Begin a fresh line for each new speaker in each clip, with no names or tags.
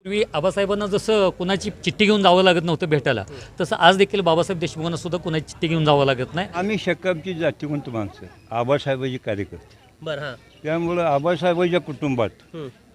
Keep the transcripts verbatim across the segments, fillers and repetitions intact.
पूर्वी आबासाहेबांना जसं कुणाची चिठ्ठी घेऊन जावं लागत नव्हतं भेटायला, तसं आज देखील बाबासाहेब देशमुखांना सुद्धा कुणाची चिठ्ठी घेऊन जावं लागत नाही.
आम्ही शकामची जातीवंत माणसं, आबासाहेबांचे कार्यकर्ते.
बरं हां
त्यामुळं आबासाहेबांच्या कुटुंबात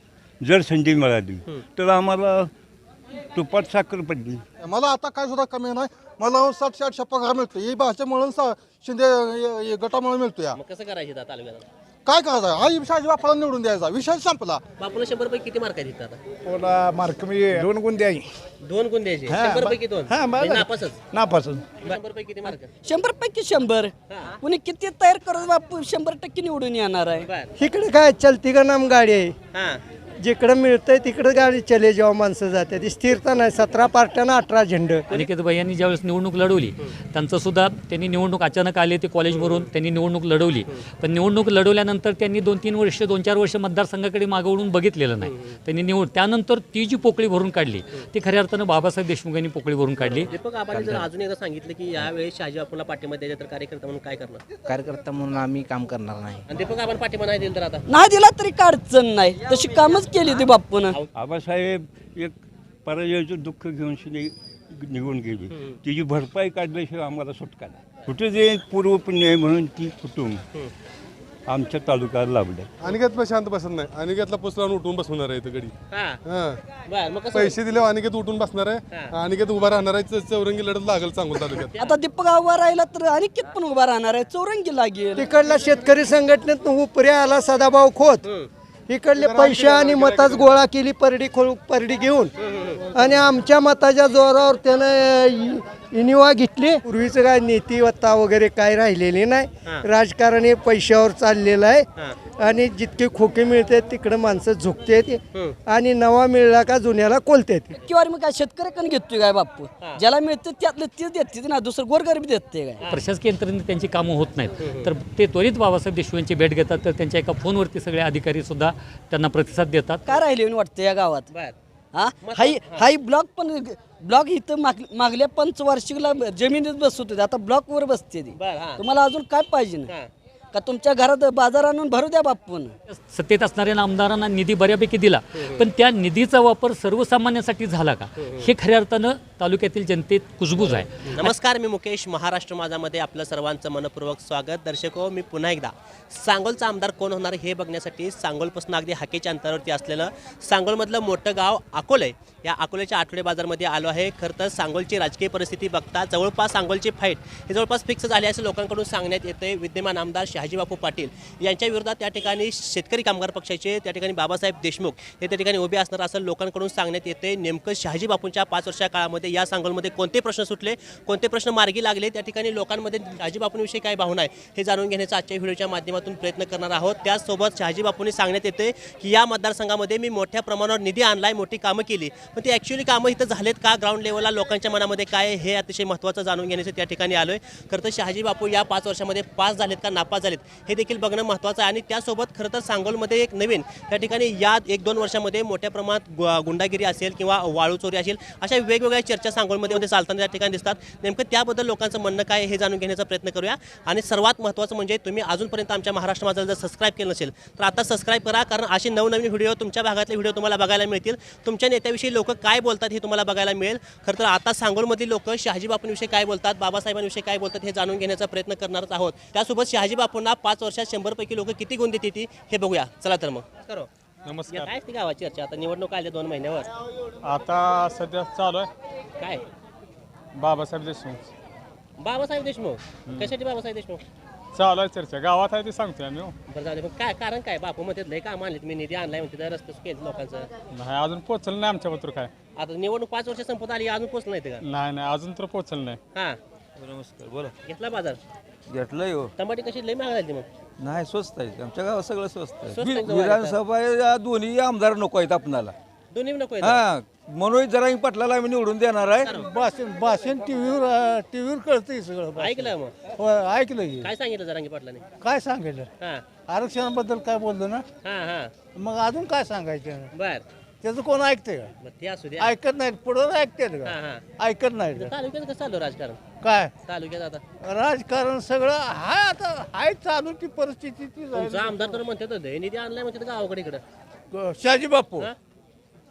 जर संधी मिळाली तर आम्हाला तुपात साखर पडली.
मला आता काय सुद्धा कमी नाही. मला सातशे आठशे पगार मिळतो. ही भाषेमुळे सा शिंदे य- य- गटामुळे मिळतो. या
मग कसं करायचं आता तालुक्यात?
काय करायचं? हा शहाजी बापाला निवडून द्यायचा, विषय संपला.
बापूला शंभर पैकी किती मार्क आहेत आता?
पोला मार्क मी दोन गुण द्याई
दोन गुण द्यायचे.
हा,
शंभर
ब-
पैकी दोन
हा, बरं.
म्हणजे नापासच.
नापासून
शंभर पैकी किती मार्क?
शंभर पैकी शंभर कुणी किती तयार करत बापू शंभर टक्के निवडून येणार आहे.
बर
इकडे काय चलती का नाम गाडी आहे.
हां
जिकडं मिळतंय तिकडं गाडी चले जेव्हा माणसं जाते ती स्थिरता नाही. सतरा पार्ट्यानं अठरा झेंड.
अनिकेतबाई यांनी ज्यावेळेस निवडणूक लढवली, त्यांचं सुद्धा त्यांनी निवडणूक अचानक आले ते कॉलेजवरून, त्यांनी निवडणूक लढवली. पण निवडणूक लढवल्यानंतर त्यांनी दोन तीन वर्ष दोन चार वर्ष मतदारसंघाकडे मागवून बघितलेलं नाही. त्यांनी निवड त्यानंतर ती जी पोकळी भरून काढली ती खऱ्या अर्थानं बाबासाहेब देशमुख यांनी पोकळी भरून काढली.
दीपक आबांनी जर अजून एकदा सांगितलं की यावेळेस शहाजी बापूला पाठिंबा द्यायचा तर कार्यकर्ता म्हणून काय करणार?
कार्यकर्ता म्हणून आम्ही काम करणार नाही.
आणि दीपक आबांना पाठिंबा नाही दिला तर आता
नाही दिला तरी काय अडचण नाही, तशी कामच केली ती बापून.
आबासाहेब एक पराजयाचं दुःख घेऊन शिने निघून गेली. तिची भरपाई काढल्याशिवाय आम्हाला सुटका नाही. कुठे जे पूर्व पुण्य आहे म्हणून ती कुटुंब आमच्या तालुक्यात लाभलं.
अनिकेत पण शांत बसत नाही. अनिकेतला पुसला उठून बसवणार आहे इथं गडी.
हां
हां.
बर मग कसं
पैसे दिले अनिकेत उठून बसणार आहे. अनिकेत उभा राहणार आहे. च- चौरंगी लढत लागेल चांगलं तालुक्यात.
आता दीपक उभा राहिला तर अनिकेत पण उभा राहणार आहे, चौरंगी लागेल.
तिकडला शेतकरी संघटनेत उपऱ्या आला सदाभाऊ खोत. इकडले पैसे आणि मताच गोळा केली परडी खोल परडी घेऊन आणि आमच्या मताच्या जोरावर त्यानं इनिवा घेतली. पूर्वीचं काय नीतिवत्ता वगैरे काय राहिलेली नाही. राजकारण हे पैशावर चाललेलं आहे आणि जितके खोके मिळते तिकडं माणसं झुकते आणि नवा मिळला का जुन्याला कोलते.
किंवा मग काय शेतकऱ्याकडे घेतोय काय बापू? ज्याला मिळतं त्यातलं ते देते ना, दुसरं गोरगरीब देते काय?
प्रशासकीय यंत्रणेत त्यांची कामं होत नाहीत, तर ते त्वरित बाबासाहेब देशमुख यांची भेट घेतात. तर त्यांच्या एका फोनवरती सगळे अधिकारी सुद्धा त्यांना प्रतिसाद देतात.
काय राहिले वाटतं या गावात?
बर
हा हाई हाई ब्लॉक पण ब्लॉक इथं माग मागल्या पंचवार्षिकला जमिनीत बसत होते, आता ब्लॉकवर बसते ती.
बर हां
तुम्हाला अजून काय पाहिजे ना?
हां
का तुमच्या घरात बाजार आणून भरू द्या बापून.
सत्तेत असणाऱ्या आमदारांना निधी बऱ्यापैकी दिला, पण त्या निधीचा वापर सर्वसामान्यांसाठी झाला का, हे खऱ्या अर्थानं तालुक्यातील जनतेत कुजबूज आहे.
नमस्कार, मी मुकेश. महाराष्ट्र माझामध्ये आपलं सर्वांचं मनपूर्वक स्वागत. दर्शको, मी पुन्हा एकदा सांगोलचा आमदार कोण होणार हे बघण्यासाठी सांगोलपासून अगदी हाकेच्या अंतरावरती असलेलं सांगोलमधलं मोठं गाव अकोले, या अकोल्याच्या आठवडे बाजारमध्ये आलो आहे. खरं तर सांगोलची राजकीय परिस्थिती बघता जवळपास सांगोलची फाईट हे जवळपास फिक्स झाली असं लोकांकडून सांगण्यात येते. विद्यमान आमदार शहाजी बापू पाटील यांच्या विरोधात त्या ठिकाणी शेतकरी कामगार पक्षाचे त्या ठिकाणी बाबासाहेब देशमुख हे त्या ठिकाणी उभे असणार असं लोकांकडून सांगण्यात येते. नेमकं शहाजी बापूंच्या पाच वर्षा काळामध्ये या सांगोलमध्ये कोणते प्रश्न सुटले, कोणते प्रश्न मार्गी लागले, त्या ठिकाणी लोकांमध्ये शहाजी बापूंविषयी काय भावना आहे हे जाणून घेण्याचा आजच्या व्हिडिओच्या माध्यमातून प्रयत्न करणार आहोत. त्याचसोबत शहाजी बापूंनी सांगण्यात येते की या मतदारसंघामध्ये मी मोठ्या प्रमाणावर निधी आणलाय, मोठी कामं केली, पण ती ॲक्च्युअली कामं इथं झालेत का, ग्राउंड लेवलला लोकांच्या मनामध्ये काय, हे अतिशय महत्त्वाचं जाणून घेण्यासाठी त्या ठिकाणी आलोय. खरं तर शहाजी बापू या पाच वर्षामध्ये पास झालेत का नापास झालेत हे देखील बघणं महत्त्वाचं आहे. आणि त्यासोबत खरं तर सांगोलमध्ये एक नवीन त्या ठिकाणी या एक दोन वर्षामध्ये मोठ्या प्रमाणात गु- गुंडागिरी असेल किंवा वाळू चोरी असेल, अशा वेगवेगळ्या चर्चा सांगोलमध्ये चालताना त्या ठिकाणी दिसतात. नेमकं त्याबद्दल लोकांचं म्हणणं काय हे जाणून घेण्याचा प्रयत्न करूया. आणि सर्वात महत्त्वाचं म्हणजे तुम्ही अजूनपर्यंत आमच्या महाराष्ट्र माझाला जर सबस्क्राईब केलं नसेल तर आता सबस्क्राईब करा, कारण असे नवनवीन व्हिडिओ तुमच्या भागातले व्हिडिओ तुम्हाला बघायला मिळतील. तुमच्या नेत्याविषयी लोक काय बोलतात हे तुम्हाला बघायला मिळेल. खरं तर आता सांगोलमधील लोक शहाजी बापूंविषयी काय बोलतात, बाबासाहेबांविषयी काय बोलतात हे जाणून घेण्याचा प्रयत्न करणारच आहोत. त्यासोबत शहाजी बापूंना पाच वर्षात शंभर पैकी लोक किती गुण देते ती हे बघूया. चला तर मग करो.
नमस्कार.
काय ती गावाची चर्चा आता निवडणूक आल्या दोन महिन्यावर,
आता सध्या चालू आहे
काय
बाबासाहेब देशमुख
बाबासाहेब देशमुख कशासाठी बाबासाहेब देशमुख
चालू आहे चर्चा. गावात आहे ते सांगतोय आम्ही. हो.
बरं जाऊ दे. पण काय कारण काय बापू म्हणतात लय काम आणले मी निधी आणलाय म्हणते रस्ते केले लोकांचं.
नाही अजून पोचलं नाही आमच्या पत्र काय.
आता निवडणूक पाच वर्ष संपत आली अजून पोचलं नाही ते का?
नाही नाही अजून तर पोचलं नाही.
हा
नमस्कार, बोला.
घेतला बाजार
घेतलंय हो.
टमाटे कशी लय महाग झाली मग?
नाही स्वस्त आहे आमच्या गावात, सगळं स्वस्त
स्वस्त
आहे.
आहे
वि- विधानसभा या दोन्ही आमदार नको आहेत आपणाला.
दोन्ही नको आहेत.
हा मनोज जरांगी पाटलाला आम्ही निवडून देणार आहे.
भाषण भाषण टीव्हीवर टीव्हीवर कळतंय सगळं.
ऐकलं मग
होय, ऐकलं की.
काय सांगितलं जरांगी पाटलाने?
काय सांगितलं
हा
आरक्षणाबद्दल काय बोललो ना,
हा हा
मग अजून काय सांगायचं?
बर
त्याचं कोण ऐकतंय का?
मग ते असू दे.
ऐकत नाहीत. पुढं ऐकतात
हा
का?
हा
ऐकत नाहीत का?
तालुक्यात कसं चालू राजकारण?
काय
तालुक्यात आता
राजकारण सगळं हाय, आता हाय चालू ती परिस्थिती ती
तुमचा आमदार तर म्हणतात लय निधी आणलाय म्हणतात गावाकडे इकडं.
झाली. शहाजी बापू
हा?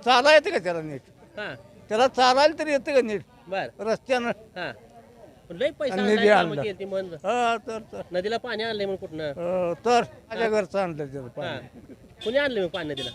चाला येते का त्याला नीट
हा
त्याला चालायला तरी येते का नीट
बर
रस्त्यानं
हा पण लय पैसा
आणि
आणलाय,
निधी
कामं
आणला.
केली म्हण
हा तर तर
नदीला पाणी आणलंय म्हणून कुठनं
अं, तर माझ्या घरचं आणलं त्याचं
हा
पाणी
कुणी आणलं मग पाणी नदीला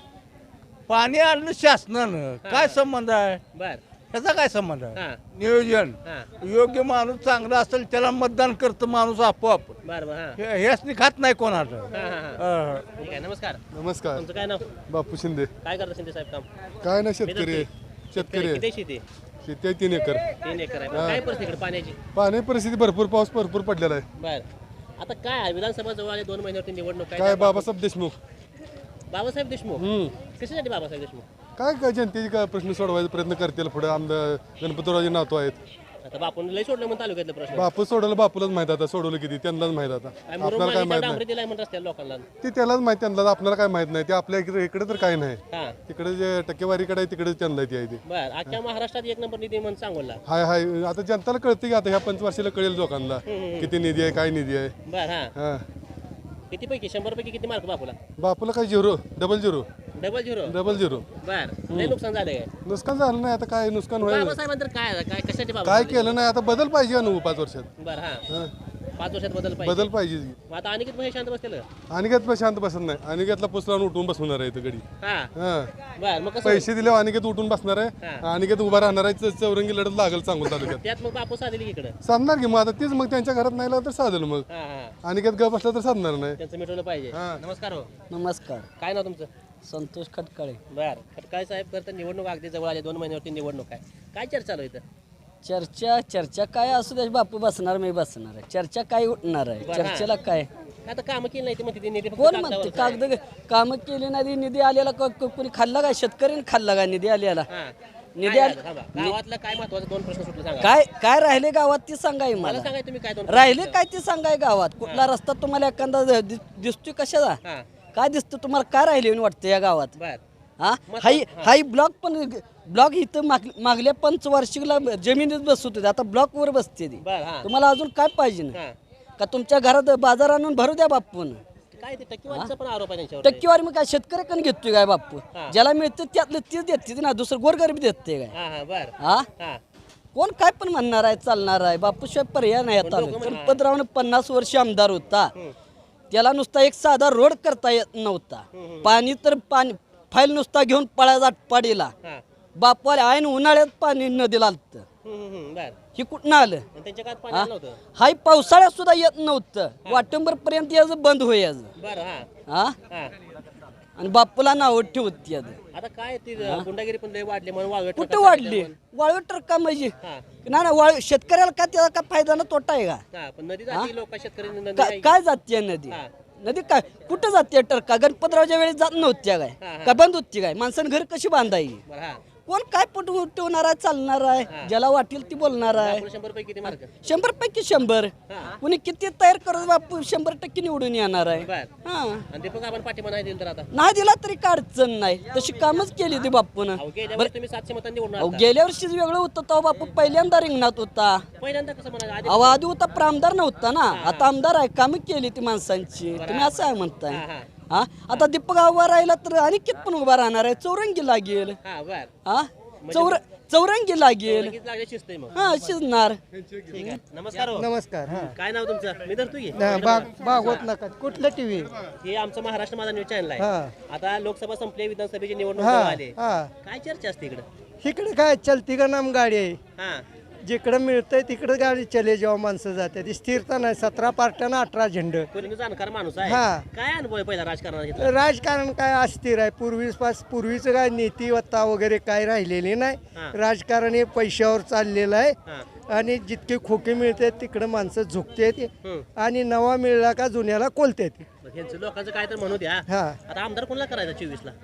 पाणी आणलं शासनानं काय संबंध आहे
बर
त्याचा काय संबंध आहे
हा
नियोजन
हा
योग्य माणूस चांगला असेल त्याला मतदान करतं माणूस आपोआप
बर बर हा
हे- हेच खात नाही कोणाचं
हा हा हा
अं,
ठीक आहे नमस्कार
नमस्कार
तुमचं काय नाव
बापू शिंदे
काय करता शिंदे साहेब काम
काय ना
शेतकरी
शेतकरी
किती शेती
शेती आहे तीन एकर
तीन एकर आहे काय परिस्थिती इकडे पाण्याची
पाणी परिस्थिती भरपूर पाऊस भरपूर पडलेला आहे
बर आता काय आहे? विधानसभा जवळ आले दोन महिन्यावरती निवडणूक
काय बाबासाहेब देशमुख
बाबासाहेब देशमुख
हम्म.
कशासाठी बाबासाहेब देशमुख
काय काय जनतेचे काय प्रश्न सोडवायचा प्रयत्न करतील पुढे आमदार गणपतरावजी नातो आहेत
आता बापून लय सोडलं म्हणून तालुक्यातलं प्रश्न
बापू सोडवलं बापूलाच माहित आता सोडवलं किती त्यांनाच माहित आता
काय मुरुम
आपल्याला काय
मागणी
माहित
डांबरी
नाही
दिलाय म्हणत रस्त्याला लोकांना
ती त्यालाच माहित त्यांना आपल्याला काय माहित नाही ते आपल्या इकडे इकडे तर काय नाही
हा
तिकडे जे टक्केवारीकडे आहे तिकडे त्यांना ती आहे ती
बर अख्ख्या महाराष्ट्रात एक नंबर निधी म्हणून सांगोला
हाय हाय आता जनताला कळतं की आता ह्या पंचवार्षिकला कळेल लोकांना किती निधी आहे काय निधी आहे
बर हा
हा
किती पैकी शंभर पैकी किती मार्क बापूला
बापूला काय zero double zero
double zero
double zero
बर लय नुकसान झालंय
नुकसान झालं नाही आता काय नुकसान होईल
बाबासाहेबांतर काय आहे? काय कशासाठी बाबा
काय केलं नाही आता बदल पाहिजे अनुभव पाच वर्षात
बर हा
हा.
पाच वर्षात बदल पाहिजे
बदल पाहिजे
मग आता आणि किती महिने शांत बसलेलं
अनिकेत पण शांत बसत नाही अनिकेतला पुस लावून उठून बसवणार आहे इथं गडी
हा
हा
बर मग कसं
पैसे दिल्यावर अनिकेत उठून बसणार आहे
हा.
अनिकेत उभा राहणार आहे च- चौरंगी लढत लागल सांगून तालुक्यात
त्यात मग बापू साधली की इकडं
साधणार की मग आता तीच मग त्यांच्या घरात नाही लागलं तर साधल मग
हा हा
अनिकेत गप बसला तर साधणार नाही
त्यांचं मिटवलं पाहिजे
हा.
नमस्कार हो
नमस्कार
काय नाव तुमचं
संतोष खटकाळे
बर खटकाळे साहेब करता निवडणूक अगदी जवळ आली दोन महिन्यावरती निवडणूक आहे काय चर्चा चालू आहे इथं
चर्चा चर्चा काय असू दे बापू बसणार मी बसणार आहे चर्चा काय उठणार आहे
बरं.
चर्चेला काय
आता कामं केली नाही ते म्हणते ते निधी फक्त
कोण
कागदावरच
म्हणते
आहे.
कागद कामं केली नाही निधी आलेला क- क- कोणी खाल्ला का शेतकऱ्याने खाल्ला का निधी आलेला
हा.
निधी
काय
आले
झालं? थांबा. गावातलं काय महत्वाचं दोन प्रश्न सुटले सांगा
काय काय राहिले गावात ती सांगाय
मला
मला
सांगा तुम्ही काय दोन
राहिले काय ती सांगाय गावात कुठला रस्ता तुम्हाला एखादा दि- दिसतोय कशाचा
हा
काय दिसतं तुम्हाला काय राहिले म्हणून वाटतं या गावात
बर
हा हाई हाई ब्लॉक पण ब्लॉक इथं माग मागल्या पंचवार्षिकला जमिनीत बसत होते आता ब्लॉकवर बसते ती
बर हा
तुम्हाला अजून काय पाहिजे ना
हा
का तुमच्या घरात बाजार आणून भरू द्या बापून
काय ते टक्केवारीचा पण आरोप आहे त्यांच्यावर
टक्केवारी मग काय शेतकऱ्याकडे घेतोय काय बापू
हा.
ज्याला मिळतं त्यातलं तीच देते ना दुसरं गोरगरीब देते काय
हा हा बर
हा
हा
कोण काय पण म्हणणार आहे चालणार आहे बापूशिवाय पर्याय नाही आता
लोकं म्हणणार-
गणपतरावनं पन्नास वर्ष आमदार होता त्याला नुसता एक साधा रोड करता येत नव्हता पाणी तर पाणी फाईल नुसता घेऊन पळायचा पाडीला
हा
बापाला आईन उन्हाळ्यात पाणी नदीला आलतं
हम्म, हम्म, हम्म, बर
हे कुठनं आलं
आणि त्यांच्या काळात पाणी आलं नव्हतं
हाय पावसाळ्यात सुद्धा येत नव्हतं वाटंबर पर्यंत यायचं बंद होयाचं
बर हा
हा
हा
आणि बापूला नाव ठेवत याचं
आता काय ती गुंडागिरी पण लय वाढली म्हणून वाळवे
कुठं वाढली वाळू ट्रका म्हणजे
हा
ना ना वाळू शेतकऱ्याला काय त्याचा काय फायदा ना तोटा आहे का
हा पण नदी जाती लोक शेतकरी नदी
का-
आहे.
काय जाते नदी
हा.
नदी काय कुठं जाते टरका गणपतरावच्या वेळी जात नव्हत्या काय
हा, हा.
काय बंद होती काय माणसानं घर कशी बांधायची
बरं हा
कोण काय पट उठवणार आहे चालणार आहे ज्याला वाटेल ती बोलणार आहे
आपण शंभर पैकी किती मार्क
शंभर पैकी शंभर
हा.
कुणी किती तयार करत बापू शंभर टक्के निवडून येणार आहे
बर
हा
आणि दीपक आपण पाठिंबा नाही दिला तर आता
नाही दिला तरी काय अडचण नाही तशी कामच केली ती बापून
अहो गेल्या वेळेस तुम्ही सातशे मतांनी निवडून
अहो
आलता.
गेल्या वर्षीच वेगळं होतं तेव्हा बापू पहिल्यांदा रिंगणात होता
पहिल्यांदा कसं म्हणायचं आधी
अहो आधी होता पण आमदार नव्हता ना आता आमदार आहे कामं केली ती माणसांची तुम्ही असं आहे म्हणताय
हा हा
हा आता दीपक उभा राहिला तर अनिकेत पण उभा राहणार आहे चौरंगी लागेल
हा बर
हा चौर चौरंगी लागेल
लगेच लागले शिस्त आहे मग
हा शिजणार
ठीक आहे नमस्कार हो.
नमस्कार हा
काय नाव तुमचं मी धरतो की
नाही, बाग बागवत नका कुठलं टीव्ही
हे आमचं महाराष्ट्र माझा न्यूज चॅनल आहे
हा.
आता लोकसभा संपली विधानसभेची निवडणूक
हा
जवळ आली
हा
काय चर्चा असते इकडं
इकडे काय चलती का नाम गाडी आहे
हा
जिकडं मिळतंय तिकडं गाडी चले जेव्हा माणसं जाते ती स्थिरता नाही सतरा पार्ट्यानं अठरा झेंड
कोणी जाणकार माणूस आहे
हा.
काय अनुभव आहे पहिला राजकारणात घेतला
राजकारण काय अस्थिर आहे पूर्वीपास पूर्वीचं काय नीतिवत्ता वगैरे काय राहिलेली
हा.
नाही राजकारण हे पैशावर चाललेलं आहे
हा
आणि जितके खोके मिळते तिकडं माणसं झुकतात
हम्म.
आणि नवा मिळला का जुन्याला कोलतात
मग ह्यांचं लोकांचं काय तर म्हणू द्या
हा
आता आमदार कोणाला करायचा चोवीस ला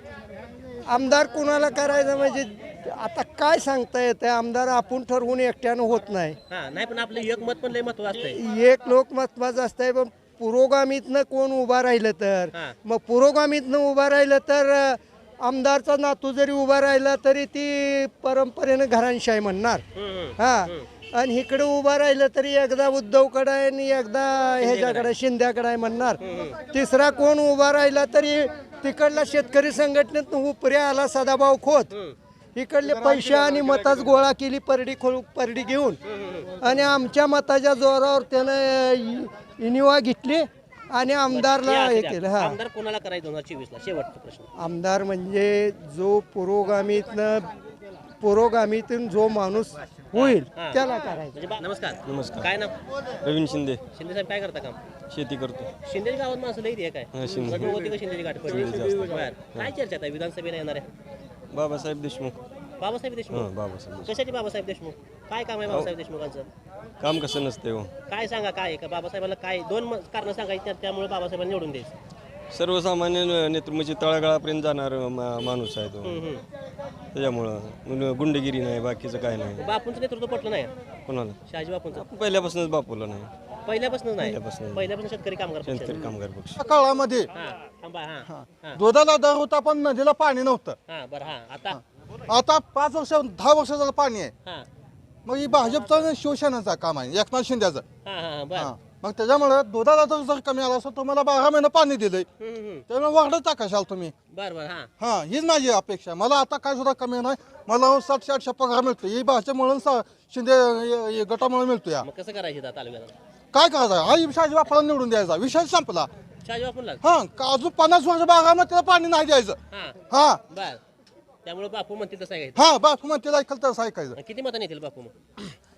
आमदार कुणाला करायचं म्हणजे आता काय सांगता येतं आमदार आपण ठरवून एकट्यानं होत नाही
हा नाही पण आपलं एक मत पण लय महत्व असतंय
एक लोक महत्वाचं असतंय पण पुरोगामीतनं कोण उभा राहिलं तर
हा.
मग पुरोगामीतनं उभा राहिलं तर अं, आमदारचा नातू जरी उभा राहिला तरी ती परंपरेनं घरांशाही म्हणणार
हम्म, हम्म.
हा आणि इकडे उभा राहिलं तरी एकदा उद्धवकडे आहे आणि एकदा ह्याच्याकडे शिंद्याकडे आहे म्हणणार तिसरा कोण उभा राहिला तरी तिकडल्या शेतकरी संघटनेत उपरी आला सदाभाऊ खोत इकडले पैसे आणि मताच गोळा केली परडी खोल परडी घेऊन आणि आमच्या मताच्या जोरावर त्यानं इनिवा घेतली आणि आमदारला हे केलं. हा
आमदार कोणाला करायचं दोन हजार चोवीस ला शेवटचा प्रश्न.
आमदार म्हणजे जो पुरोगामीतनं पुरोगामीतून जो माणूस होईल त्याला करायचं.
म्हणजे बा- नमस्कार नमस्कार काय नाव?
रवीन शिंदे
शिंदे साहेब काय करता काम?
शेती करतो.
शिंदे गावात माणसं लई आहे काय?
हा, शिंदे.
गजबज होती का शिंदेची गाठ पडली? बरं. काय चर्चा आहे विधानसभेला येणार आहे?
बाबासाहेब देशमुख.
बाबासाहेब देशमुख.
हां बाबासाहेब
कशाचे बाबासाहेब देशमुख? काय काम आहे बाबासाहेब देशमुखांचं?
काम कसं नसते हो.
काय सांगा काय आहे का बाबासाहेबाला काय दोन म- कारणं सांगायची त्या- त्यामुळे बाबासाहेबांना निवडून द्यायचं.
सर्वसामान्य नेतृत्व म्हणजे तळागाळापर्यंत जाणार मा- माणूस आहे तो. त्याच्यामुळं मग गुंडगिरी नाही बाकीचं काय नाही.
बापूंचं नेतृत्व पटलं नाही
कोणाला
शहाजी बापूंचं
पहिल्यापासूनच बापूला नाही.
पहिल्यापासून नाही
पहिल्यापासून.
पहिल्यापासून शेतकरी कामगार पक्ष.
शेतकरी कामगार पक्ष.
त्या काळामध्ये
हा थांबा हा हा
दुधाला दर होता पण नदीला पाणी नव्हतं.
हा बरं हा आता
आता पाच वर्ष दहा वर्ष झालं पाणी आहे.
हा
मग ही भाजपचं आणि शिवसेनेचं काम आहे एकनाथ शिंदेचं.
हा हा बरं
हा. मग त्याच्यामुळे दुधाला जर जर कमी आला असं तुम्हाला बारा महिने पाणी दिलंय
हम्म, हम्म.
त्यामुळे वाढत टाकाशाल तुम्ही.
बरं बरं हा
हा हीच माझी अपेक्षा. मला आता काय सुद्धा कमी नाही. मला सातशे आठशे पगार मिळतो ही भाषेमुळे सा- शिंदे हे- हे गटामुळे मिळतो. या
मग कसं करायचं आता तालुक्यात?
काय करायचं हा शहाजी बापाला निवडून द्यायचा विषय संपला.
शहाजी बापूंला
हा का अजून पन्नास वर्ष बागामध्ये त्याला पाणी नाही द्यायचं.
हा
हा
बर त्यामुळे बापू म्हणतील तसं आहे.
हा बापू मग त्याला ऐकलं तर ऐकायचं.
किती मतांनी येतील बापू मग?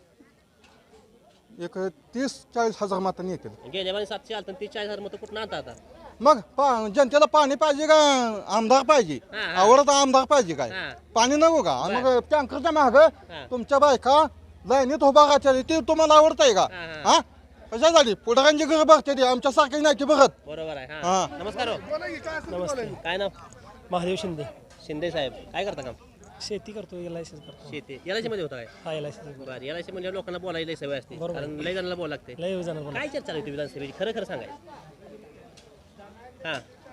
एक तीस चाळीस हजार मातांनी येतील.
गेल्या वेळी सातशे आलं तीस चाळीस हजार मतं कुठं आणता आता?
मग पा- जनतेला पाणी पाहिजे का आमदार पाहिजे?
हा, हा.
आवडत आमदार पाहिजे काय?
हा.
पाणी नको का? आणि मग टँकरच्या माग
हा.
तुमच्या बायका लाईनीत उभा राहते ते तुम्हाला आवडतंय का?
हा, हा.
हा कशा झाली पुढाऱ्यांची घरं बघते ती आमच्यासारखी नाही की बघत.
बरोबर आहे
हा.
हा नमस्कार हो.
नमस्ते.
काय नाव?
महादेव शिंदे.
शिंदे साहेब काय करता काम?
शेती करतो एल आय सी करतो.
शेती एल आय सी मध्ये होता काय?
हा एल आय सी
बरं एल आय सी म्हणजे लोकांना बोलायला लई सवय असते
बरोबर.
कारण लई जणांना बोलावं लागते.
लय जाणार
काय चर्चा चालू होती विधानसभेची खरं खरं सांगायचं? हा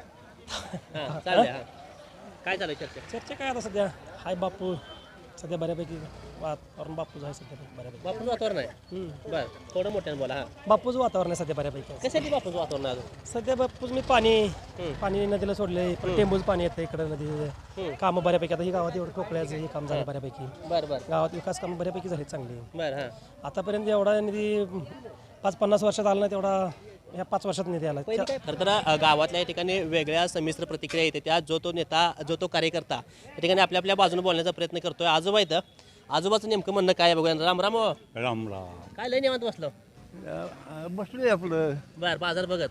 हा चालू हा काय चालू आहे चर्चा?
चर्चा काय आता सध्या हाय बापू सध्या बऱ्यापैकी वातावरण बापूच आहे सध्या बऱ्यापैकी.
बापूचं वातावरण आहे बरं थोडं मोठ्यानं बोला हा.
बापूच वातावरण आहे सध्या बऱ्यापैकी.
कशासाठी बापूचं वातावरण आहे अजून?
सध्या बापूच मी पाणी पाणी नदीला सोडले टेंबूच पाणी येतं इकडे नदी कामं बऱ्यापैकी आता ही गावात एवढं टोकळ्याचं हे काम झालं बऱ्यापैकी.
बरं बरं
गावात विकास कामं बऱ्यापैकी झाली चांगली.
बरं हां
आतापर्यंत एवढा निधी पाच पन्नास वर्षात आला नाही तेवढा ह्या पाच वर्षात निधी आला.
खरं तर अ, गावातल्या या ठिकाणी वेगळ्या संमिश्र प्रतिक्रिया येते त्या जो तो नेता जो तो कार्यकर्ता या ठिकाणी आपल्या आपल्या बाजूने बोलण्याचा प्रयत्न करतोय. आजोबा इथं आजोबाचं नेमकं म्हणणं काय आहे बघूया. राम राम हो.
राम राम.
काय लय निवांत बसलो
बसलोय आपलं
बर बाजार बघत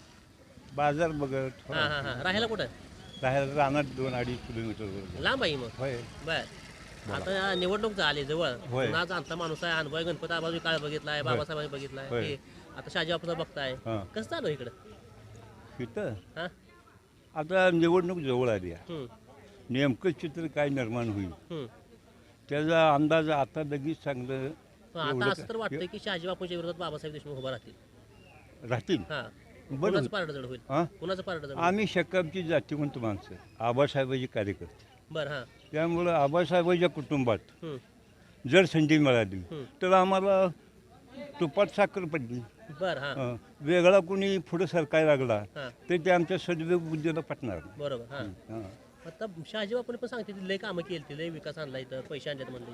बाजार बघत
हां हां हां राहायला कुठं
राहायला राहणार दोन अडीच किलोमीटर.
लांब आहे मग
होय.
बर आता निवडणूक झाली जवळ
होय.
पुन्हा जाणता माणूस आहे अनुभव गणपती आबाजी काळ बघितलाय बाबासाहेब बघितलाय
होय.
हे आता शहाजी बापूचा बघताय
हां.
कसं चालू आहे इकडं?
इथं
हां
आता निवडणूक जवळ आली आहे.
हम्म,
नेमकं चित्र काय निर्माण होईल
हम्म.
त्याचा अंदाज आता लगेच चांगलं
पण आता
एवढं
असं तर वाटतंय की शहाजी बापूच्या विरोधात बाबासाहेब देशमुख उभा राहतील.
राहतील.
हां
बरं.
कुणाचं पारड जड होईल?
हां
कुणाचं पारड जड होईल?
आम्ही शकामची जातीवंत माणसं आबासाहेबांचे कार्यकर्ते
बरं हां
त्यामुळं आबासाहेबांच्या कुटुंबात
हम्म,
जर संधी मिळाली
हम्म.
तर आम्हाला तुपात साखर पडली.
बरं हां
हं. वेगळा कोणी पुढं सरकायला लागला
हां
तर ते आमच्या सद्योग बुद्धीला पटणार नाही.
बरोबर हां
हं.
आता शहाजी बापूने पण सांगते ती लय कामं केली ती लय विकास आणला इथं पैसे आणलेत म्हणलं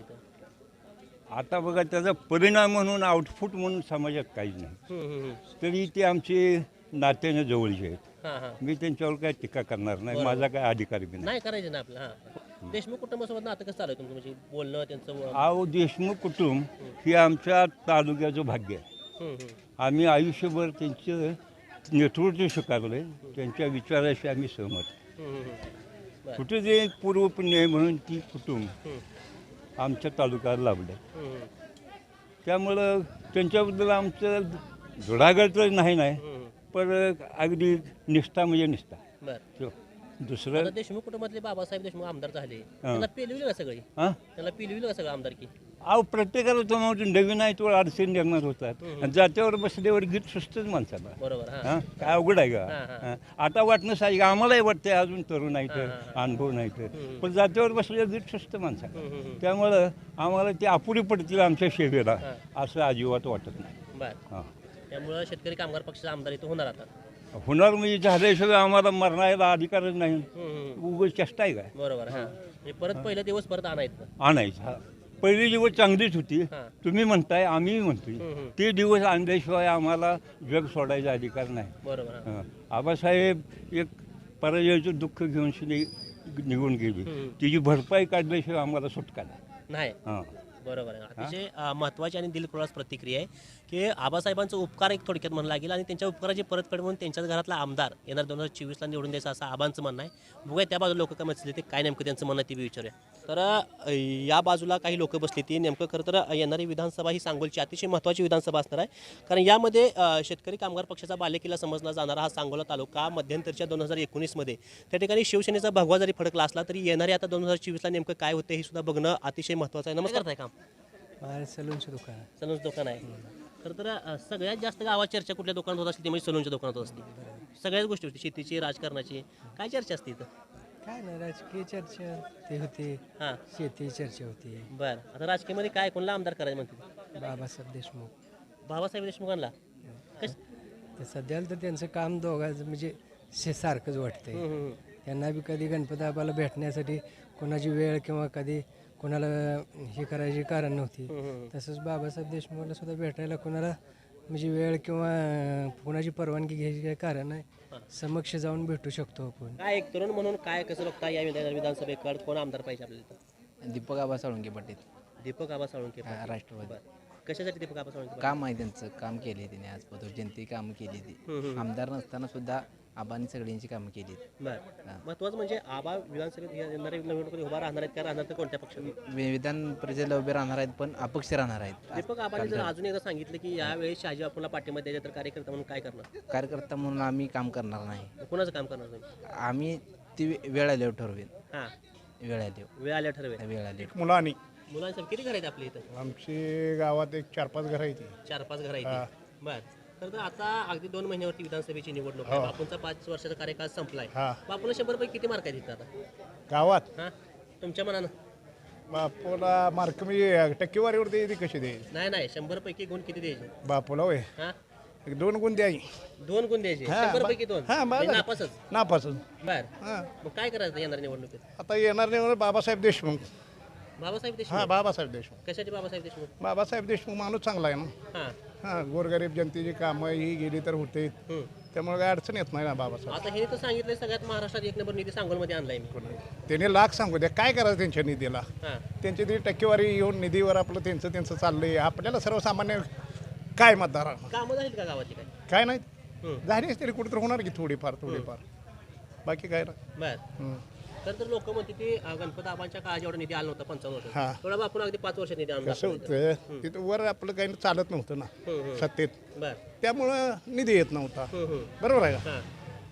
इथं.
आता बघा त्याचा परिणाम म्हणून आउटफुट म्हणून समाजात काहीच नाही.
हम्म, हम्म, हम्म.
तरी ते आमचे नात्याने जवळचे आहेत.
हां हां
मी त्यांच्यावर काय टीका करणार नाही.
बरोबर.
माझा काय अधिकार बी नाही.
नाही करायचं ना आपलं हां देशमुख कुटुंबासोबत नातं कसं चालू आहे तुमचं म्हणजे बोलणं त्यांचं व-
अहो देशमुख कुटुंब हे आमच्या तालुक्याचं भाग्य आहे.
हम्म, हम्म.
आम्ही आयुष्यभर त्यांचं नेतृत्व स्वीकारलं आहे. त्यांच्या विचाराशी आम्ही सहमत आहे.
हम्म, हम्म, हम्म. बरं.
कुठे जे पूर्वपुण्य आहे म्हणून ती कुटुंब
हम्म,
आमच्या तालुक्यात लाभलं.
हम्म, हम्म.
त्यामुळं त्यांच्याबद्दल आमचं धुडागड तर नाही नाही
हम्म.
पण अगदी निष्ठा म्हणजे निष्ठा.
बरं
तो दुसरं
आता देशमुख कुटुंबातले बाबासाहेब देशमुख आमदार झाले त्यांना पिलविलं का सगळी
हां
त्यांना पिलविलं का सगळं आमदारकी?
अहो प्रत्येकाला तुम्हाला नवीन आहे तो अडचण निर्माण होतात. आणि जात्यावर बसल्यावर गीत सुचतच माणसाला.
बरोबर हां
हां काय अवघड आहे
हां,
का?
हां.
हां. आता वाटणं साहजिक आम्हालाही वाटतंय अजून तरुण नाही
हां,
तर
हां,
अनुभव नाही तर
हम्म.
पण जात्यावर बसल्यावर गीत सुचतं माणसाला.
हम्म, हम्म, हम्म.
त्यामुळं आम्हाला ते अपुरी पडतील आमच्या सेवेला
हां.
असं अजिबात वाटत नाही.
बरं
हां
त्यामुळं शेतकरी कामगार पक्षाचा आमदार इथं होणार आता
होणार म्हणजे झाल्याशिवाय आम्हाला मरणायला अधिकारच नाही. उगाच चेष्टा आहे काय
बरोबर हां म्हणजे परत पहिला दिवस परत आणायचं
आणायचं. हा. पहिली दिवस चांगलीच होती.
हां.
तुम्ही म्हणताय आम्ही म्हणतोय ते दिवस आणल्याशिवाय आम्हाला जग सोडायचा अधिकार नाही.
बरोबर हां.
हं. आबासाहेब एक पराजयाचं दुःख घेऊन शिने निघून गेली. तिची भरपाई काढल्याशिवाय आम्हाला सुटका नाही.
नाही
हां
बरोबर आहे अतिशय अ, महत्त्वाची आणि दिलखुलास प्रतिक्रिया आहे की आबासाहेबांचा उपकार एक थोडक्यात म्हणलं लागेल आणि त्यांच्या उपकाराची परतफेड म्हणून त्यांच्याच घरातला आमदार येणार दोन हजार चोवीसला निवडून द्यायचा असं आबांचं म्हणणं आहे. बघूया त्या बाजूला लोक काय म्हटले ते काय नेमकं त्यांचं म्हणणं ते बी विचारूया. तर अ, या बाजूला काही लोक बसली ती नेमकं खरं तर येणारी विधानसभा ही सांगोलची अतिशय महत्त्वाची विधानसभा असणार आहे. कारण यामध्ये अ, शेतकरी कामगार पक्षाचा बालेकिल्ला समजला जाणारा हा सांगोला तालुका मध्यंतरच्या दोन हजार एकोणीसमध्ये त्या ठिकाणी शिवसेनेचा भगवा जरी फडकला असला तरी येणारे आता दोन हजार चोवीसला नेमकं काय होतं हे सुद्धा बघणं अतिशय महत्त्वाचं आहे. नमस्कार ताई काम
सलूनचं दुकान
सलूनचं दुकान आहे. खरं तर अ, सगळ्यात जास्त गावात चर्चा कुठल्या दुकानात होत असते ती म्हणजे सलूनच्या दुकानात होत असते. सगळ्याच गोष्टी होती शेतीची राजकारणाची काय चर्चा असते इथं.
काय नाही राजकीय चर्चा ते होते
हां
शेती चर्चा होती
बरं आता राजकीयमध्ये काय कोणला आमदार करायचं म्हणते
बाबासाहेब देशमुख
बाबासाहेब देशमुखांना कश
ते सध्याला तर त्यांचं काम दोघांचं म्हणजे शे सारखंच वाटतंय. त्यांना बी कधी गणपती बाबाला भेटण्यासाठी कोणाची वेळ किंवा कधी कोणाला हे करायची कारण नव्हती. तसंच बाबासाहेब देशमुखला सुद्धा भेटायला कोणाला म्हणजे वेळ किंवा कोणाची परवानगी घ्यायची काही कारण नाही. समक्ष जाऊन भेटू शकतो आपण.
काय एक तरुण म्हणून काय कसं बघता या विधान विधानसभेकडे कोण आमदार पाहिजे आपल्याला इथं.
दीपक आबा साळुंके पाटील
दीपक आबा साळुंके
हा, राष्ट्रवादी.
बरं. कशासाठी दीपक आबा साळुंके
काम आहे त्यांचं काम केले त्यांनी आजपर्यंत जनते काम केली ती आमदार नसताना सुद्धा आबांनी सगळ्यांची कामं केली.
बरं महत्त्वाचं म्हणजे आबा विधानसभेत येणाऱ्या निवडणुकीत उभा राहणार आहेत का राहणार तर कोणत्या पक्षात.
विधान परिषदेला उभे राहणार आहेत पण अपक्ष राहणार आहेत.
दीपक आबांनी जर अजून एकदा सांगितलं की यावेळी शहाजी बापूला पाठिंबा द्यायचा तर कार्यकर्ता म्हणून काय करणार.
कार्यकर्ता म्हणून आम्ही काम करणार नाही.
कोणाचं काम करणार तुम्ही.
आम्ही ती वेळ आल्यावर ठरवेल.
हां
वेळ आल्यावर
वेळ आल्या ठरवेल.
वेळ आल्यावर
मुलांनी
मुलांसाठी किती घर आहेत आपल्या इथं.
आमची गावात एक चार पाच घरं आहेत.
चार पाच घर आहेत. बरं तर तर आता अगदी दोन महिन्यावरती विधानसभेची निवडणूक आहे. बापूंचा पाच वर्षाचा कार्यकाळ संपलाय. बापूला शंभर पैकी किती मार्क आहेत इथं आता
गावात.
हां तुमच्या मनानं
बापूला मार्क म्हणजे टक्केवारीवरती येते कशी द्यायची.
नाही नाही शंभर पैकी गुण किती द्यायचे.
बापूला होय
हां
एक दोन गुण द्यायची.
दोन गुण द्यायचे
हां,
शंभर
बा-
पैकी दोन
हां,
म्हणजे
बरं.
नापासच.
नापासून
बर
हां
मग काय करायचं येणार निवडणुकीत.
आता येणार नाही म्हणून बाबासाहेब देशमुख.
बाबासाहेब
हां
देशमुख
बाबासाहेब देशमुख.
कशाचे बाबासाहेब देशमुख.
बाबासाहेब देशमुख माणूस चांगला आहे ना.
हां
हां गोरगरीब जनतेची कामं ही गेली तर होते
हं.
त्यामुळे काय अडचण येत नाही ना बाबासाहेब.
आता हे तर सांगितलंय सगळ्यात महाराष्ट्रात एक नंबर निधी सांगोलमध्ये आणलाय मी.
त्याने लाख सांगू द्या काय करायचं त्यांच्या निधीला.
हां
त्यांची ती टक्केवारी येऊन निधीवर आपलं त्यांचं त्यांचं चाललंय. आपल्याला सर्वसामान्य काय मतदार
कामं झालीत का गावाची काय.
काय नाही
हं.
झालीच तरी कुठेतरी होणार की थोडीफार थोडीफार बाकी काय ना.
बर
हं.
तर तर लोक म्हणते की अं, गणपती आबांच्या काळात जेवढा निधी आला नव्हता पंचावन्न वर्ष
हां.
थोडा बापून अगदी पाच वर्षात निधी आणून
कसं
दाखवला.
होतं तिथं वर आपलं काही चालत नव्हतं ना
हं, हं.
सत्तेत.
बर
त्यामुळं निधी येत नव्हता.
हं, हं.
बरोबर आहे का.
हां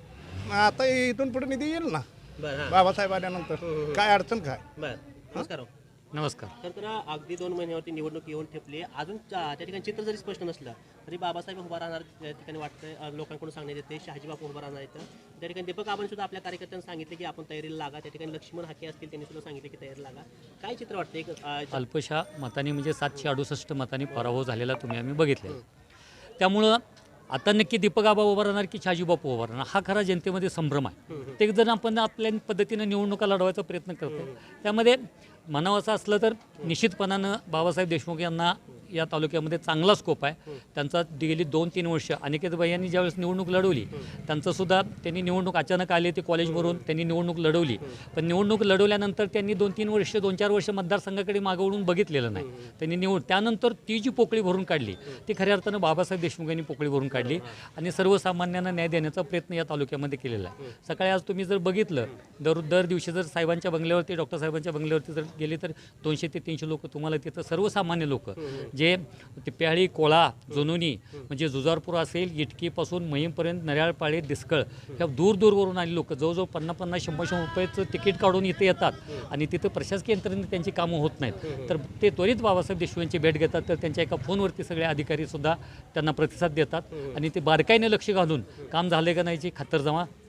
मग आता इथून पुढे निधी येईल ना
बर हां
बाबासाहेब आल्यानंतर. काय अडचण काय.
बर नमस्कार हो.
नमस्कार.
तर तर अगदी दोन महिन्यावरती निवडणूक येऊन ठेपली अजून त्या त्या ठिकाणी चित्र जरी स्पष्ट नसलं तरी बाबासाहेब उभा राहणार त्या ठिकाणी वाटतं. अं, लोकांकडून सांगण्यात येते शहाजी बापू उभा राहणार आहेत. त्या ठिकाणी दीपक आबांनी सुद्धा आपल्या कार्यकर्त्यांना सांगितले की आपण तयारीला लागा. त्या ठिकाणी लक्ष्मण हाके असतील त्यांनी सुद्धा सांगितले की तयारी लागा. काय चित्र वाटतं एक अं,
अल्पशा मताने म्हणजे सातशे अडुसष्ट मतांनी पराभव झालेला तुम्ही आम्ही बघितले. त्यामुळं आता नक्की दीपक आबा उभा राहणार की शहाजी बापू उभा राहणार हा खरा जनतेमध्ये संभ्रम आहे. ते जर आपण आपल्या पद्धतीनं निवडणुका लढवायचा प्रयत्न करतो त्यामध्ये म्हणावं असं असलं तर निश्चितपणानं बाबासाहेब देशमुख यांना या तालुक्यामध्ये चांगला स्कोप आहे. त्यांचा गेली दोन तीन वर्ष अनिकेत यांनी ज्यावेळेस निवडणूक लढवली त्यांचंसुद्धा त्यांनी निवडणूक अचानक आली ते कॉलेजवरून त्यांनी निवडणूक लढवली. पण निवडणूक लढवल्यानंतर त्यांनी दोन तीन वर्ष दोन चार वर्ष मतदारसंघाकडे मागवून बघितलेलं नाही. त्यांनी निवड त्यानंतर ती जी पोकळी भरून काढली ती खऱ्या अर्थानं बाबासाहेब देशमुख यांनी पोकळी भरून काढली आणि सर्वसामान्यांना न्याय देण्याचा प्रयत्न या तालुक्यामध्ये केलेला आहे. सकाळी आज तुम्ही जर बघितलं दर दर दिवशी जर साहेबांच्या बंगल्यावरती डॉक्टर साहेबांच्या बंगल्यावरती जर गेले तर दोनशे ते तीनशे लोक तुम्हाला तिथं सर्वसामान्य लोक जे ते प्याळी कोळा जुनुनी म्हणजे जुजारपूर असेल इटकीपासून महिमपर्यंत नऱ्याळपाळे दिसकळ ह्या दूर दूरवरून आली लोक जवळजवळ पन्नास पन्नास शंभर शंभर रुपयाचं तिकीट काढून इथे येतात आणि तिथं प्रशासकीय यंत्रणेने त्यांची कामं होत नाहीत. तर ते त्वरित बाबासाहेब देशमुख यांची भेट घेतात तर त्यांच्या एका फोनवरती सगळे अधिकारीसुद्धा त्यांना प्रतिसाद देतात आणि ते बारकाईने लक्ष घालून काम झाले का नाहीची खातरजमा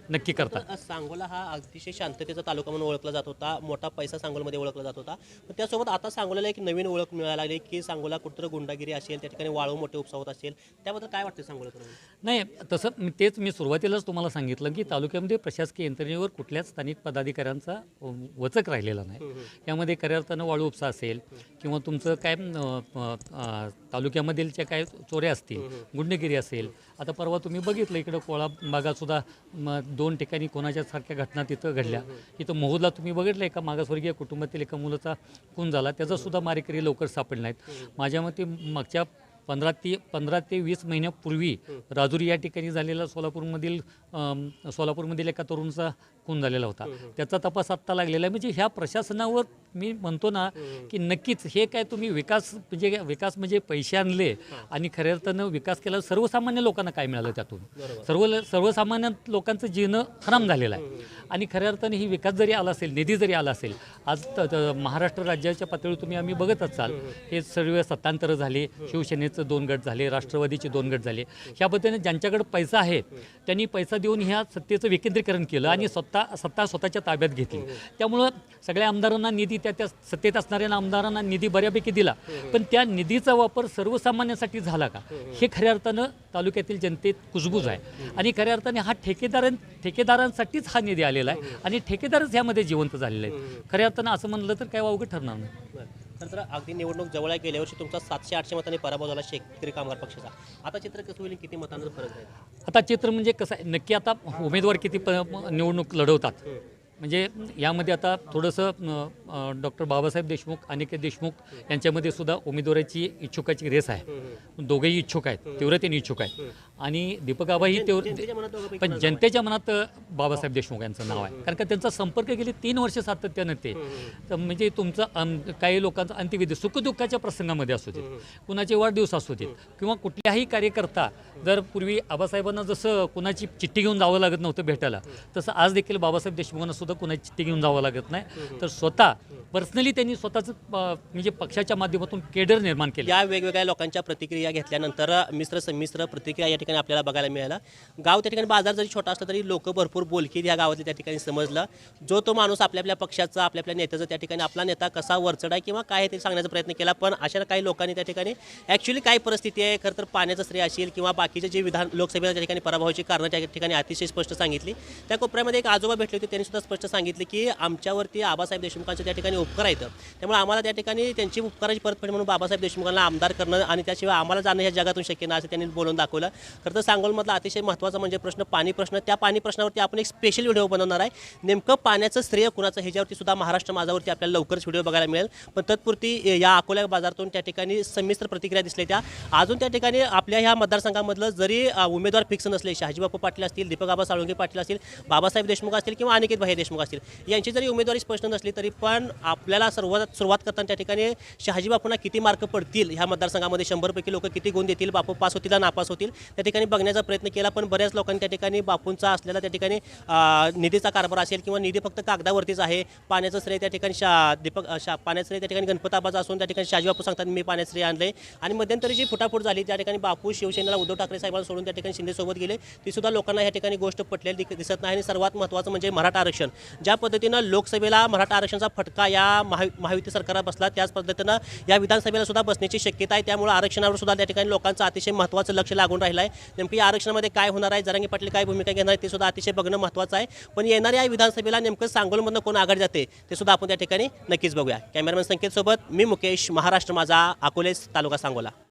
नक्की करतात.
तर सांगोला हा अतिशय शांततेचा तालुका म्हणून ओळखला जात होता, मोठा पैसा सांगोलमध्ये ओळखला जात होता. पण त्यासोबत आता सांगोल्याला एक नवीन ओळख मिळायला लागली की सांगोला कुठं गुंडागिरी असेल, त्या ठिकाणी वाळू मोठे उपसा होत असेल, त्याबद्दल काय वाटतं सांगोला?
नाही, तसं मी- तेच मी सुरुवातीलाच तुम्हाला सांगितलं की तालुक्यामध्ये प्रशासकीय यंत्रणेवर कुठल्याच स्थानिक पदाधिकाऱ्यांचा अ, वचक राहिलेला नाही. यामध्ये खऱ्या अर्थानं वाळू उपसा असेल किंवा तुमचं काय अ, अ, अ, तालुक्यामधील काय चोऱ्या असतील, गुंडगिरी असेल. आता परवा तुम्ही बघितलं इकडं कोळा भागातसुद्धा म दोन ठिकाणी कोणाच्या सारख्या घटना तिथं घडल्या. इथं मोहूदला तुम्ही बघितलं एका मागासवर्गीय कुटुंबातील एका मुलाचा खून झाला, त्याचासुद्धा मारेकरी लवकर सापडले नाहीत. माझ्या मते मागच्या पंधरा ते पंधरा ते वीस महिन्यापूर्वी राजुरी या ठिकाणी झालेला सोलापूरमधील अम, सोलापूरमधील एका तरुणाचा खून झालेला होता. त्याचा तपास आत्ता लागलेला आहे. म्हणजे ह्या प्रशासनावर मी म्हणतो ना की नक्कीच हे काय तुम्ही विकास म्हणजे विकास म्हणजे पैसे आणले आणि खऱ्या अर्थानं विकास केला, सर्वसामान्य लोकांना काय मिळालं त्यातून? सर्व सर्वसामान्य लोकांचं जीणं हराम झालेलं आहे. आणि खऱ्या अर्थाने ही विकास जरी आला असेल, निधी जरी आला असेल, आज त- त- महाराष्ट्र राज्याच्या पातळीवर तुम्ही आम्ही बघत असाल हे सर्व सत्तांतर झाले, शिवसेनेचं दोन गट झाले, राष्ट्रवादीचे दोन गट झाले. ह्या पद्धतीने ज्यांच्याकडे पैसा आहे त्यांनी पैसा देऊन ह्या सत्तेचं विकेंद्रीकरण केलं आणि सत्ता सत्ता स्वतःच्या ताब्यात घेतली. त्यामुळं सगळ्या आमदारांना निधी त्या त्या सत्तेत असणाऱ्या आमदारांना निधी बऱ्यापैकी दिला, पण त्या निधीचा वापर सर्वसामान्यांसाठी झाला का हे खऱ्या अर्थानं तालुक्यातील जनतेत कुजबूज आहे. आणि खऱ्या अर्थाने हा ठेकेदारां ठेकेदारांसाठीच हा निधी आलेला आहे आणि ठेकेदारच ह्यामध्ये जिवंत झालेले आहेत. खऱ्या अर्थानं असं म्हणलं तर काय वावगं ठरणार नाही.
तर तर अगदी निवडणूक जवळ आहे. गेल्या वर्षी तुमचा सातशे आठशे मतांनी पराभव झाला शेतकरी कामगार पक्षाचा. आता चित्र कसं होईल, किती मतांचा फरक आहे?
आता चित्र म्हणजे कसं आहे, नक्की आता उमेदवार किती प निवडणूक लढवतात म्हणजे यामध्ये आता थोडंसं डॉक्टर बाबासाहेब देशमुख, अनिकेत देशमुख यांच्यामध्ये सुद्धा उमेदवाराची इच्छुकाची रेस आहे. दोघेही इच्छुक आहेत, तीव्रतेने इच्छुक आहेत. आणि दीपक आबाही
जनतेच्या मनात दोघांपैकी
पण जनतेच्या मनात बाबासाहेब देशमुख यांचं नाव आहे, कारण का त्यांचा संपर्क गेले तीन वर्ष सातत्यानं ते तर म्हणजे तुमचं अं, काही लोकांचा अंत्यविधी सुखदुःखाच्या प्रसंगामध्ये असू देत, कुणाचे वाढदिवस असू देत किंवा कुठल्याही कार्यकर्ता जर पूर्वी आबासाहेबांना जसं कुणाची चिठ्ठी घेऊन जावं लागत नव्हतं भेटायला, तसं आज देखील बाबासाहेब देशमुखांना सुद्धा कुणाची चिठ्ठी घेऊन जावं लागत नाही. तर स्वतः पर्सनली त्यांनी स्वतःचं अं, म्हणजे पक्षाच्या माध्यमातून केडर निर्माण केलं.
या वेगवेगळ्या लोकांच्या प्रतिक्रिया घेतल्यानंतर मिश्र संमिश्र प्रतिक्रिया या ठिकाणी आपल्याला बघायला मिळाला. गाव त्या ठिकाणी बाजार जरी छोटा असला तरी लोक भरपूर बोलकी या गावातले त्या ठिकाणी समजलं. जो तो माणूस आपल्या आपल्या पक्षाचा, आपल्या आपल्या नेत्याचं त्या ठिकाणी आपला नेता कसा वरचढ आहे किंवा काय आहे ते सांगण्याचा प्रयत्न केला. पण अशा काही लोकांनी त्या ठिकाणी ॲक्च्युली काय परिस्थिती आहे, खरं तर पाण्याचं श्रेय असेल किंवा बाकीचे जे विधान लोकसभेच्या ठिकाणी पराभवाची कारणं त्या ठिकाणी अतिशय स्पष्ट सांगितली. त्या कोपऱ्यामध्ये एक आजोबा भेटले होते, त्यांनी सुद्धा स्पष्ट सांगितले की आमच्यावरती आबासाहेब देशमुखांचे त्या ठिकाणी उपकार आहेत, त्यामुळे आम्हाला त्या ठिकाणी त्यांची उपकाराची परतफेड म्हणून बाबासाहेब देशमुखांना आमदार करणं आणि त्याशिवाय आम्हाला जाणं ह्या जगातून शक्य नाही असं त्यांनी बोलून दाखवलं. खरं तर सांगोलमधला अतिशय महत्त्वाचा म्हणजे प्रश्न पाणी प्रश्न. त्या पाणी प्रश्नावरती आपण एक स्पेशल व्हिडिओ बनवणार आहे. नेमकं पाण्याचं श्रेय कुणाचं ह्याच्यावरती सुद्धा महाराष्ट्र माझावरती आपल्याला लवकरच व्हिडिओ बघायला मिळेल. पण तत्पुरती या अकोला बाजारातून त्या ठिकाणी संमिश्र प्रतिक्रिया दिसल्या. त्या अजून त्या ठिकाणी आपल्या ह्या मतदारसंघामधलं जरी उमेदवार फिक्स नसले, शहाजीबापू पाटील असतील, दीपक आबा साळुंके पाटील असतील, बाबासाहेब देशमुख असतील किंवा अनिकेत भाई देशमुख असतील, यांची जरी उमेदवारी स्पष्ट नसली तरी पण आपल्याला सुरुवात सुरुवात करताना त्या ठिकाणी शहाजीबापूंना किती मार्क पडतील ह्या मतदारसंघामध्ये, शंभरपैकी लोक किती गुण देतील, बापू पास होतील नापास होतील, त्या ठिकाणी बघण्याचा प्रयत्न केला. पण बऱ्याच लोकांनी त्या ठिकाणी बापूंचा असलेला त्या ठिकाणी निधीचा कारभार असेल किंवा निधी फक्त कागदावरतीच आहे, पाण्याचं श्रेय त्या ठिकाणी शा दीपक शा पाण्याचं श्रेय त्या ठिकाणी गणपत आबाचा असून त्या ठिकाणी शहाजीबापू सांगतात मी पाण्याचं श्रेय आणले. आणि मध्यंतरी जी फुटाफूट झाली त्या ठिकाणी बापू शिवसेनेला उद्धव ठाकरे साहेबांना सोडून त्या ठिकाणी शिंदेसोबत गेले, ती सुद्धा लोकांना या ठिकाणी गोष्ट पटलेली दिसत नाही. आणि सर्वात महत्त्वाचं म्हणजे मराठा आरक्षण. ज्या पद्धतीनं लोकसभेला मराठा आरक्षणाचा फटका या महा महायुती सरकारला बसला, त्याच पद्धतीनं या विधानसभेला सुद्धा बसण्याची शक्यता आहे. त्यामुळे आरक्षणावर सुद्धा त्या ठिकाणी लोकांचं अतिशय महत्त्वाचं लक्ष लागून राहिलं आहे. नेमकं या आरक्षणामध्ये काय होणार आहे, जरांगे पाटील काय भूमिका घेणार आहे ते सुद्धा अतिशय बघणं महत्त्वाचं आहे. पण येणाऱ्या या विधानसभेला नेमकं सांगोलमधनं कोण आघाडी जाते ते सुद्धा आपण त्या ठिकाणी नक्कीच बघूया. कॅमेरामॅन संकेत सोबत मी मुकेश, महाराष्ट्र माझा, अकोले तालुका सांगोला.